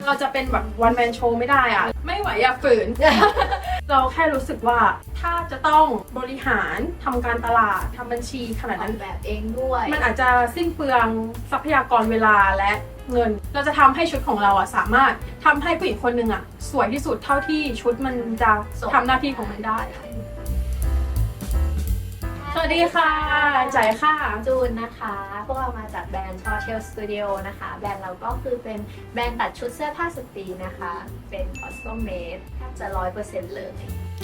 เราจะเป็นแบบวันแมนโชว์ไม่ได้อะไม่ไหวอย่าฝืน เราแค่รู้สึกว่าถ้าจะต้องบริหารทำการตลาดทำบัญชีขนาดออนั้กนแบบเองด้วยมันอาจจะสิ้นเปลืองทรัพยากรเวลาและเงิน เราจะทำให้ชุดของเราอะสามารถทำให้ผู้หญิงคนหนึ่งอะสวยที่สุดเท่าที่ชุดมันจะทำหน้าที่ของมันได้ สวัสดีค่ะจ่ายค่ะจูนนะคะ พวกเรามาจากแบรนด์ Hotel Studio นะคะ แบรนด์เราก็คือเป็นแบรนด์ตัดชุดเสื้อผ้าสตรีนะคะ เป็น custom made แทบจะ 100% เลย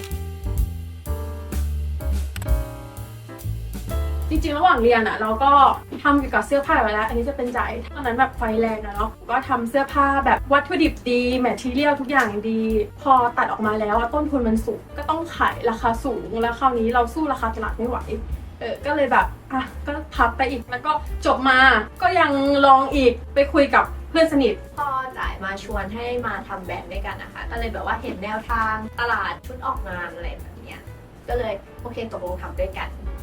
จริงๆระหว่างเรียนอะเราก็ทำเกี่ยวกับเสื้อผ้าไว้แล้ว อันนี้จะเป็นใจายตอนนั้นแบบไฟแรงอะเนาะก็ทำเสื้อผ้าแบบวัตถุดิบดีแมททีเรียลทุกอย่างดี พอตัดออกมาแล้วอะต้นทุนมันสูงก็ต้องขายราคาสูงแล้วคราวนี้เราสู้ราคาตลาดไม่ไหวก็เลยแบบอ่ะก็พับไปอีกแล้วก็จบมาก็ยังลองอีกไปคุยกับเพื่อนสนิทพอจ่ายมาชวนให้มาทำแบรนด์ด้วยกันนะคะ ก็เลยแบบว่าเห็นแนวทางตลาดชุดออกงานอะไรแบบเนี้ย ก็เลยโอเคตกลงทำด้วยกัน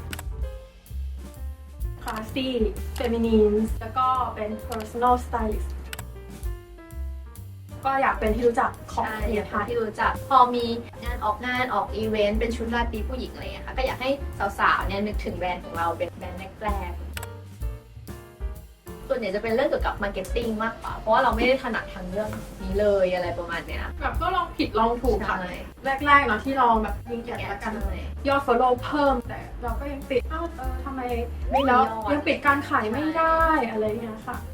classy feminine แล้วก็เป็น personal stylist ก็อยากเป็นที่รู้จักของใช่เมีอย ยากไทให้ยที่รู้จักพอมีงานออกอีเวนต์เป็นชุดราตรีผู้หญิงอะไรอย่างเงี้ยค่ะก็อยากให้สาวๆเนี่ยนึกถึงแบรนด์ของเราเป็นแบรนด์แรกๆส่วนใหญ่จะเป็นเรื่องเกี่ยวกับมาร์เก็ตติ้งมากกว่าเพราะว่าเราไม่ได้ถนัดทางเรื่องนี้เลยอะไรประมาณเนี้ยแบบก็ลองผิดลองถูกค่ะใช่แรกๆเนาะที่ลองแบบยิงแกะแล้วกัน ยอด follow เพิ่มแต่เราก็ยังปิดทำไมไม่มีแล้วยอดยังปิดการขายไม่ได้อะไรเงี้ยค่ะ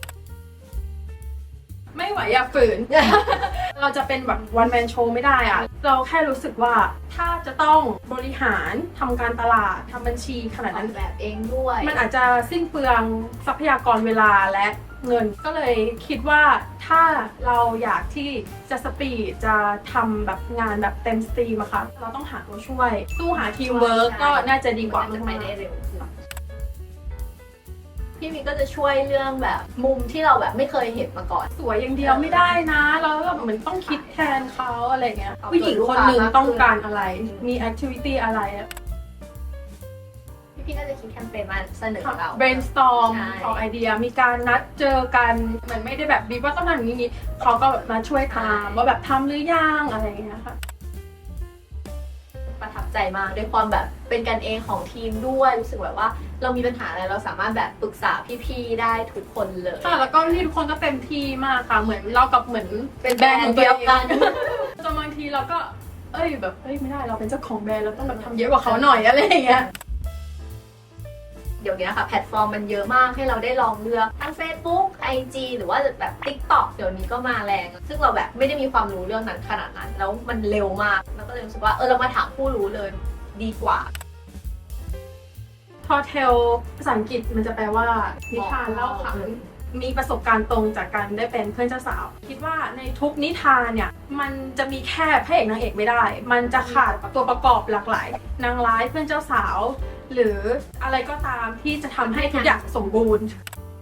ไม่ไหวอย่าฝืน เราจะเป็นแบบวันแมนโชว์ไม่ได้อะเราแค่รู้สึกว่าถ้าจะต้องบริหารทำการตลาดทำบัญชีขนาดออนั้นกแบบเองด้วยมันอาจจะสิ้นเปลืองทรัพยากรเวลาและเงิน ก็เลยคิดว่าถ้าเราอยากที่จะสปีดจะทำแบบงานแบบเต็มสตรีมอะค่ะเราต้องหาตัวช่วยสู้หาทีมเวิร์กก็น่าจะดีกว่าจะไปมากได้เร็วขึ้นพี่มีก็จะช่วยเรื่องแบบมุมที่เราแบบไม่เคยเห็นมาก่อนสวยอย่างเดียวไม่ได้นะเราแบบเหมือนต้องคิดแทนเขาอะไรเงี้ยเอาผู้หญิงคนหนึ่งลูกค้ามากขึ้นต้องการอะไรมีแอคทิวิตี้อะไรอะพี่ก็จะคิดแคมเปญมาเสนอเรา brainstorm ใช่ออกไอเดียมีการนัดเจอกันเหมือนไม่ได้แบบบีบว่าต้องทำอย่างนี้เขาก็แบบมาช่วยตามว่าแบบทำหรือยังอะไรเงี้ยค่ะประทับใจมากด้วยความแบบเป็นกันเองของทีมด้วยรู้สึกแบบว่าเรามีปัญหาอะไรเราสามารถแบบปรึกษาพี่ๆได้ทุกคนเลยค่ะแล้วก็พี่ทุกคนก็เต็มที่มากค่ะเหมือนเรากับเหมือนเป็นแบรนด์เดียวกันจนบางทีเราก็แบบไม่ได้เราเป็นเจ้าของแบรนด์เราต้องแบบทำเยอะกว่าเขาหน่อยอะไรอย่างเงี้ยเดี๋ยวนี้ค่ะแพลตฟอร์มมันเยอะมากให้เราได้ลองเลือกทั้ง Facebook IG หรือว่าแบบ TikTok เดี๋ยวนี้ก็มาแรง ซึ่งเราแบบไม่ได้มีความรู้เรื่องนั้นขนาดนั้น แล้วมันเร็วมากเราก็เลยรู้สึกว่าเรามาถามผู้รู้เลยดีกว่า Hotel ภาษาอังกฤษมันจะแปลว่านิทานเล่าขานมีประสบการณ์ตรงจากการได้เป็นเพื่อนเจ้าสาว คิดว่าในทุกนิทานเนี่ยมันจะมีแค่พระเอกนางเอกไม่ได้ มันจะขาดตัวประกอบหลากหลายนางร้ายเพื่อนเจ้าสาว หรืออะไรก็ตามที่จะทำให้ทุกอย่างสมบูรณ์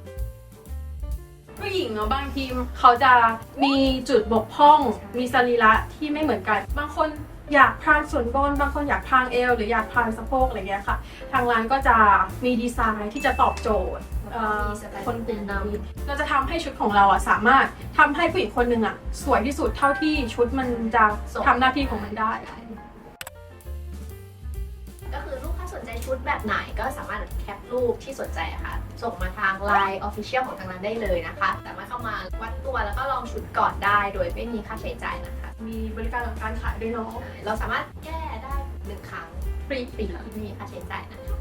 ผู้หญิงเนาะบางทีเขาจะมีจุดบกพร่อง มีสรีระที่ไม่เหมือนกัน บางคนอยากพรางส่วนบน บางคนอยากพรางเอวหรืออยากพรางสะโพกอะไรเงี้ยค่ะ ทางร้านก็จะมีดีไซน์ที่จะตอบโจทย์คนกลุ่มนั้นเราจะทำให้ชุดของเราอะสามารถทำให้ผู้หญิงคนหนึ่งอะสวยที่สุดเท่าที่ชุดมันจะทำหน้าที่ของมันได้ก็คือลูกค้าสนใจชุดแบบไหนก็สามารถแคปรูปที่สนใจอะค่ะส่งมาทาง Line Official ของทางร้านได้เลยนะคะสามารถเข้ามาวัดตัวแล้วก็ลองชุดก่อนได้โดยไม่มีค่าใช้จ่ายนะคะมีบริการหลังการขายด้วยเนาะเราสามารถแก้ได้1 ครั้งฟรีไม่มีค่าใช้จ่ายนะคะ